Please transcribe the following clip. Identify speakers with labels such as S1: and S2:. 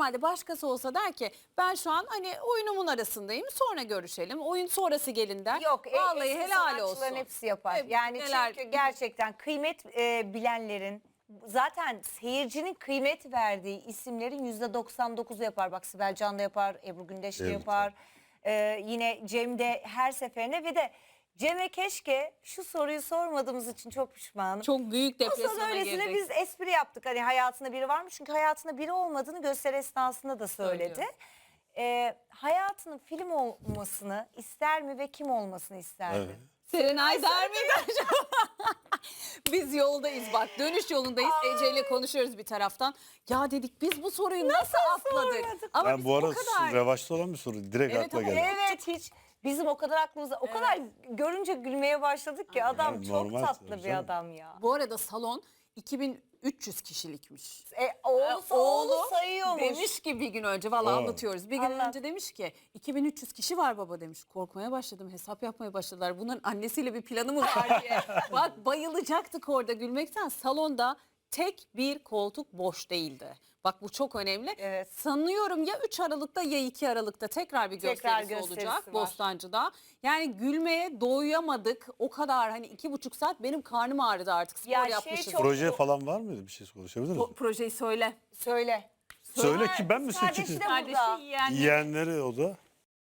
S1: normalde başkası olsa der ki ben şu an hani oyunumun arasındayım, sonra görüşelim. Oyun sonrası gelin der.
S2: Yok,
S1: vallahi
S2: eski
S1: helal
S2: sanatçıların
S1: olsun.
S2: hepsi yapar.
S1: Evet,
S2: Yani
S1: neler-
S2: çünkü gerçekten kıymet bilenlerin, zaten seyircinin kıymet verdiği isimlerin %99'u yapar. Bak Sibel Can da yapar, Ebru Gündeş de
S3: Evet.
S2: yapar. Yine Cem de her seferinde, ve de Cem'e keşke şu soruyu sormadığımız için çok pişmanım.
S1: Çok büyük
S2: O
S1: depresyona
S2: sonra öylesine
S1: girdik.
S2: biz espri yaptık. Hani hayatında biri var mı? Çünkü hayatında biri olmadığını gösteri esnasında da söyledi.
S1: Söylüyor.
S2: Hayatının film olmasını ister mi ve kim olmasını isterdi?
S3: Evet.
S1: Serenay der miydi? Biz yoldayız bak, dönüş yolundayız. Ece ile konuşuyoruz bir taraftan. Ya dedik biz bu soruyu nasıl atladık?
S2: sormadık?
S1: Ama
S3: Ben
S1: biz
S3: bu
S1: o
S3: arada
S1: kadar...
S3: revaçta olan bir soru. Direkt
S1: Evet,
S3: akla
S1: ama
S3: geldi.
S2: Evet, hiç bizim o kadar aklımıza, o kadar görünce gülmeye başladık ki adam
S3: Yani
S2: çok
S3: normal
S2: tatlı
S3: tabii
S2: bir
S3: canım.
S2: adam ya.
S1: Bu arada salon 2300 kişilikmiş.
S2: Oğlu sayıyormuş.
S1: Demiş ki bir gün önce, vallahi
S3: Aa.
S1: anlatıyoruz. Bir gün
S2: Anlat.
S1: önce demiş ki 2300 kişi var baba demiş. Korkmaya başladım, hesap yapmaya başladılar. Bunların annesiyle bir planı mı var diye. Bak bayılacaktık orada gülmekten. Salonda tek bir koltuk boş değildi. Bak bu çok önemli.
S2: Evet.
S1: Sanıyorum ya 3 Aralık'ta ya 2 Aralık'ta tekrar bir
S2: Tekrar
S1: gösterisi
S2: gösterisi
S1: olacak
S2: var.
S1: Bostancı'da. Yani gülmeye doyamadık. O kadar hani 2,5 saat benim karnım ağrıdı artık. Spor
S2: Ya şey
S1: yapmışız.
S2: çok-
S3: Proje falan var mıydı? Bir şey konuşabilir miyiz?
S1: Projeyi söyle.
S2: Söyle.
S3: Söyle ki ben mi
S2: Kardeşi
S3: seçeyim?
S2: de
S1: Kardeşi
S2: burada.
S1: yiyenleri.
S3: Yiyenleri o da.